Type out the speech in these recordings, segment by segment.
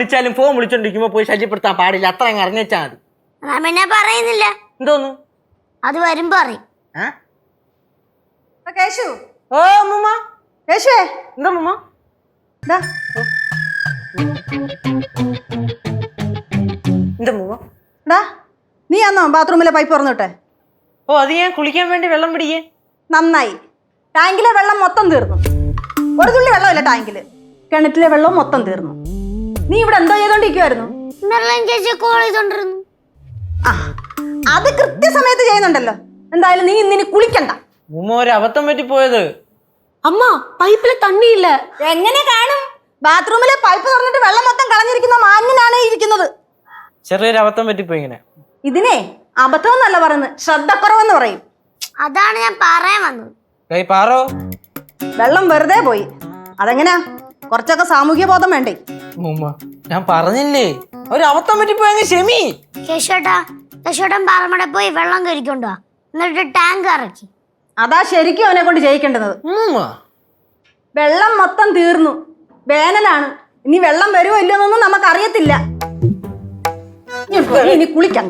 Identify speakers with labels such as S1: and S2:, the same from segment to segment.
S1: വിളിച്ചാലും ഫോൺ വിളിച്ചോണ്ടിരിക്കുമ്പോ പോയി ശല്യപ്പെടുത്താൻ പാടില്ല. അത്ര അങ്ങ് അറിഞ്ഞാ മതി.
S2: പിന്നെ പറയുന്നില്ല.
S1: എന്തോന്നു?
S2: അത് വരുമ്പോ അറിയും.
S3: കേശു.
S1: ഓ അമ്മൂമ്മ.
S3: കേശുവേ.
S1: എന്താ അമ്മൂമ്മ?
S3: എന്താ
S1: അമ്മൂമ്മ?
S3: നീ ആന്നോ ബാത്റൂമിലെ പൈപ്പ് തുറന്നിട്ടെ?
S1: ഓ, അത് ഞാൻ കുളിക്കാൻ വേണ്ടി വെള്ളം പിടിക്കേ.
S3: നന്നായി. ടാങ്കിലെ വെള്ളം മൊത്തം തീർന്നു. ഒരു തുള്ളി വെള്ളമില്ല ടാങ്കില്. കിണറ്റിലെ വെള്ളം മൊത്തം തീർന്നു. നീ ഇവിടെ എന്തോ ചെയ്തോണ്ടിരിക്കുവായിരുന്നു? ആ, അത് കൃത്യസമയത്ത് ചെയ്യുന്നുണ്ടല്ലോ. എന്തായാലും നീ ഇന്നിനി കുളിക്കണ്ട.
S1: ഉമ്മ ഒരു അബദ്ധം പറ്റിപ്പോയത്.
S4: അമ്മ, പൈപ്പിലെ തണ്ണി ഇല്ല.
S3: എങ്ങനെ കാണും? ബാത്റൂമിലെ പൈപ്പ് തുറന്നിട്ട് വെള്ളം മൊത്തം കളഞ്ഞിരിക്കുന്ന മാന്യനാണ് ഇരിക്കുന്നത്.
S1: ചെറിയൊരു അബദ്ധം പറ്റിപ്പോയി. ഇങ്ങനെ
S3: ഇതിനെ അബദ്ധം എന്നല്ല പറയുന്നത്, ശ്രദ്ധക്കുറവെന്ന് പറയും.
S2: അതാണ് ഞാൻ പറയാൻ വന്നത്.
S1: പാറോ,
S3: വെള്ളം വെറുതെ പോയി. അതെങ്ങനാ? കുറച്ചൊക്കെ സാമൂഹ്യ ബോധം വേണ്ടേ?
S1: ഞാൻ പറഞ്ഞില്ലേ, ഒരു അബദ്ധം പറ്റിപ്പോയി. ക്ഷമി.
S2: കേശോട്ടൻ പാറമട പോയി വെള്ളം കരിക്കൊണ്ടോ, എന്നിട്ട് ടാങ്ക് ഇറക്കി.
S3: അതാ ശരിക്കും അവനെ കൊണ്ട് ചെയ്യിക്കേണ്ടത്. വെള്ളം മൊത്തം തീർന്നു. വേനലാണ്. ഇനി വെള്ളം വരുമോ ഇല്ലെന്നൊന്നും നമുക്കറിയത്തില്ല. ഇനി കുളിക്കണ്ട.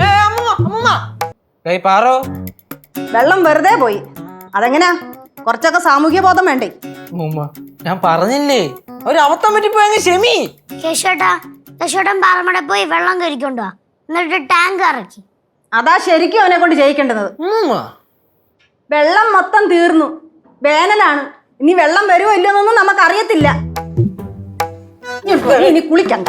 S1: പാറോ,
S3: വെള്ളം വെറുതെ പോയി. അതെങ്ങനാ? കുറച്ചൊക്കെ സാമൂഹ്യ ബോധം വേണ്ടേ?
S1: ഞാൻ പറഞ്ഞില്ലേ, ഒരു അബദ്ധം പറ്റിപ്പോയി. ക്ഷമി.
S2: കേശോട്ടൻ പാറമട പോയി വെള്ളം കരിക്കൊണ്ടോ, എന്നിട്ട് ടാങ്ക് ഇറക്കി.
S3: അതാ ശരിക്കും അവനെ കൊണ്ട് ചെയ്യിക്കേണ്ടത്. വെള്ളം മൊത്തം തീർന്നു. വേനലാണ്. ഇനി വെള്ളം വരുമോ ഇല്ലെന്നൊന്നും നമുക്കറിയത്തില്ല. ഇനി കുളിക്കണ്ട.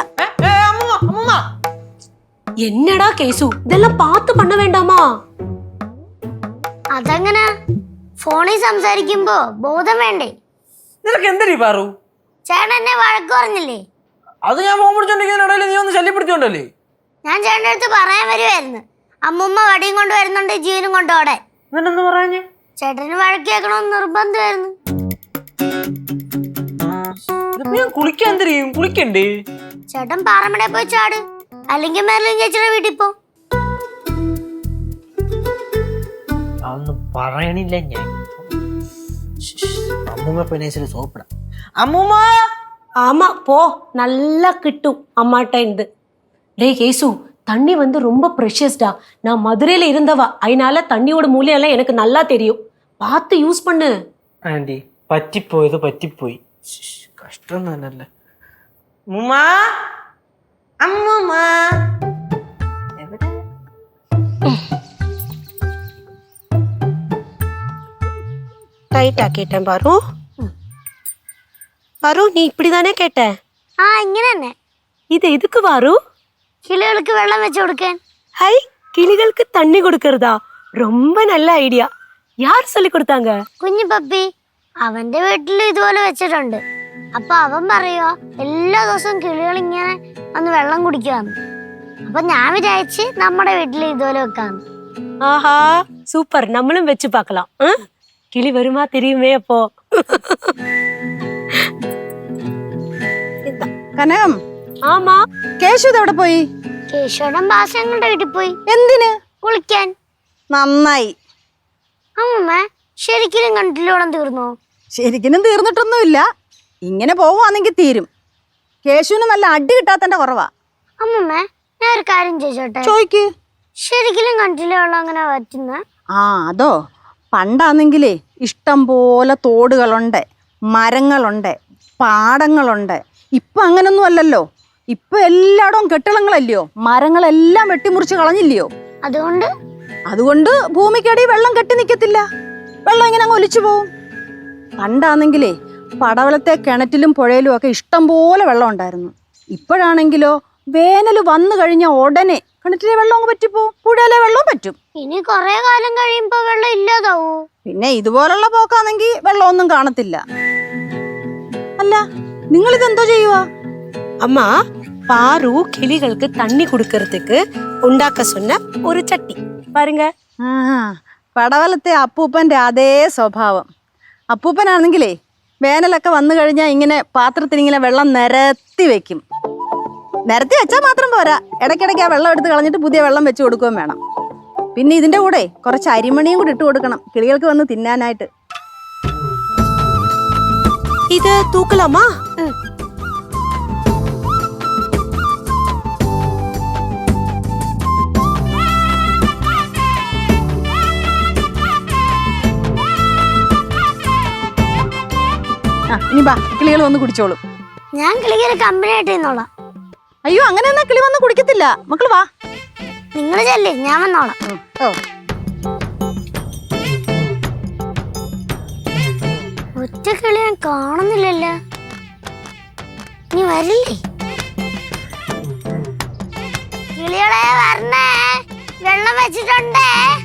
S4: എന്നടാ കേസു, ഇതെല്ലാം പാത്ത് പണ്ണ വേണ്ടാമാ?
S2: അതെങ്ങനെ? ഫോണിൽ സംസാരിക്കുമ്പോ ബോധം വേണ്ടേ?
S1: നിനക്ക് എന്തരീ പാറു?
S2: ചേട്ടൻ എന്നെ വഴക്ക് പറഞ്ഞില്ലേ?
S1: അത് ഞാൻ ഫോൺ പിടിച്ചോണ്ടിരിക്കുന്നതിനിടയിൽ നീ ഒന്ന് ശല്യപ്പെടുത്തിയോണ്ടല്ലേ?
S2: ഞാൻ ചേട്ടൻ്റെ അടുത്ത് പറയാൻ വരുമായിരുന്നു, അമ്മുമ്മ വടിയും കൊണ്ട് വരുന്നുണ്ട്, ജീവനും കൊണ്ടോടെ.
S1: എന്നിട്ടെന്താ പറഞ്ഞേ?
S2: ചേട്ടന് വഴക്ക് കേൾക്കണമെന്ന് നിർബന്ധമായിരുന്നു.
S1: ഞാൻ കുളിക്കാൻ തരും, കുളിക്കണ്ടേ?
S2: ചേട്ടൻ പാറമട പോയി ചാട്, അല്ലെങ്കിൽ മെർലിൻ ചേച്ചിയുടെ വീട്ടിൽ പോ.
S1: അതൊന്നും പറയണില്ല ഞാൻ. അമ്മൂമ്മ പിന്നെ സോപ്പിടാം. അമ്മൂമ്മ.
S4: ஆமா போ, நல்லா கிட்டும் அம்மாட்ட இருந்து. டேய் கேசு, தண்ணி வந்து ரொம்ப ப்ரெஷியஸ்டா. நான் மதுரையில இருந்தவா, அதனால தண்ணியோட மூல்யம் எல்லாம் எனக்கு நல்லா தெரியும். பார்த்து யூஸ் பண்ணு.
S1: ആന്റി, പറ്റിപ്പോയത് പറ്റിപ്പോയി. കഷ്ടം തന്നെയല്ലേ. അമ്മൂമ്മ, അമ്മൂമ്മ എവിടെ?
S4: ரைட்டா கேட்டேன் பாரு. பாரு, நீ இப்படிதானே கேட்ட?
S2: ഇങ്ങനെ തന്നെ.
S4: இது எதுக்கு பாரு?
S2: കിളികൾക്ക് വെള്ളം വെച്ച് കൊടുക്കാൻ.
S4: ஹை, கிளிகளுக்கு தண்ணி கொடுக்கறதா? ரொம்ப நல்ல ஐடியா. யார் சொல்லி கொடுத்தாங்க?
S2: കുഞ്ഞു പപ്പി. അവന്റെ വീട്ടിൽ ഇതുപോലെ വെച്ചിട്ടുണ്ട്. അപ്പൊ അവൻ പറയുക, എല്ലാ ദിവസവും കിളികൾ ഇങ്ങനെ വന്ന് വെള്ളം കുടിക്കാന്ന്. അപ്പൊ ഞാൻ വിചാരിച്ച് നമ്മുടെ വീട്ടിൽ ഇതുപോലെ വെക്കാന്ന്.
S4: ஆஹா, சூப்பர். நம்மளும் வச்சு பார்க்கலாம். கிளி வருமா தெரியுமே அப்போ.
S3: കനകം.
S4: ஆமா.
S3: കേശു എവിടെ പോയി?
S2: കേശവൻ ബാസങ്ങളുടെ വീട്ടിൽ പോയി.
S3: എന്തിന്?
S2: കുളിക്കാൻ.
S3: നന്നായി.
S2: അമ്മ, ശരിക്കും കണ്ടില്ലോളം തീർന്നോ?
S3: ശരിക്കും തീർന്നിട്ടൊന്നുമില്ല. ഇങ്ങനെ പോവുകയാണെങ്കിൽ തീരും. കേശുവിന് നല്ല അടി കിട്ടാത്തന്റെ കുറവാ.
S2: അമ്മമ്മ, ഞാൻ ഒരു കാര്യം ചോദിച്ചോട്ടെ?
S3: ചോയ്ക്ക്.
S2: ശരിക്കും കണ്ടില്ലോളം അങ്ങനെ പറ്റുന്ന?
S3: അതോ, പണ്ടാണെങ്കിലേ ഇഷ്ടം പോലെ തോടുകളുണ്ട്, മരങ്ങളുണ്ട്, പാടങ്ങളുണ്ട്. ഇപ്പൊ അങ്ങനൊന്നും അല്ലല്ലോ. ഇപ്പൊ എല്ലായിടവും കെട്ടിടങ്ങളല്ലയോ, മരങ്ങളെല്ലാം വെട്ടിമുറിച്ച് കളഞ്ഞില്ലയോ. അതുകൊണ്ട് ഭൂമിക്കടി വെള്ളം കെട്ടി നിൽക്കത്തില്ല. വെള്ളം ഇങ്ങനെ അങ്ങ് ഒലിച്ചു പോവും. പണ്ടാണെങ്കിലേ പടവലത്തെ കിണറ്റിലും പുഴയിലും ഒക്കെ ഇഷ്ടം പോലെ വെള്ളം ഉണ്ടായിരുന്നു. ഇപ്പോഴാണെങ്കിലോ വേനൽ വന്നു കഴിഞ്ഞ ഉടനെ കിണറ്റിലെ വെള്ളം അങ്ങ് പറ്റിപ്പോവും, പുഴയിലെ വെള്ളവും പറ്റും.
S2: ഇനി കുറെ കാലം കഴിയുമ്പോ വെള്ളം ഇല്ലാതാവൂ.
S3: പിന്നെ ഇതുപോലുള്ള പോക്കാണെങ്കിൽ വെള്ളമൊന്നും കാണത്തില്ല. അല്ല, നിങ്ങൾ ഇതെന്തോ ചെയ്യുവാ?
S4: அம்மா, பாரு கிளிகளுக்கு தண்ணி குடுக்கறதுக்கு உண்டாக்க சொன்ன ஒரு சட்டி பாருங்க.
S3: പടവലത്തെ അപ്പൂപ്പന്റെ അതേ സ്വഭാവം. അപ്പൂപ്പനാണെങ്കിലേ വേനലൊക്കെ വന്നു കഴിഞ്ഞാൽ ഇങ്ങനെ പാത്രത്തിൽ ഇങ്ങനെ വെള്ളം നിരത്തി വെക്കും. നിരത്തി വെച്ചാൽ മാത്രം പോരാ, ഇടയ്ക്കിടയ്ക്ക് ആ വെള്ളം എടുത്ത് കളഞ്ഞിട്ട് പുതിയ വെള്ളം വെച്ച് കൊടുക്കുകയും വേണം. പിന്നെ ഇതിന്റെ കൂടെ കുറച്ച് അരിമണിയും കൂടി ഇട്ട് കൊടുക്കണം കിളികൾക്ക് വന്ന് തിന്നാനായിട്ട്.
S4: ഇത് തൂക്കലാമാ?
S3: ഇനി ബാ കിളികൾ വന്ന് കുടിച്ചോളും.
S2: ഞാൻ കിളിക്കൊരു കമ്പനി ആയിട്ട് നിന്നോളാം.
S3: അയ്യോ അങ്ങനെ എന്നാ കിളി വന്ന് കുടിക്കത്തില്ല. മക്കൾ വാ.
S2: നിങ്ങൾ ചെല്ലേ, ഞാൻ വന്നോളാം.
S3: ഓ
S2: ഒറ്റ കിളി ഞാൻ കാണുന്നില്ലല്ലോ. നീ വരില്ലേ? കിളികളെ വരണേ, വെള്ളം വെച്ചിട്ടുണ്ടേ.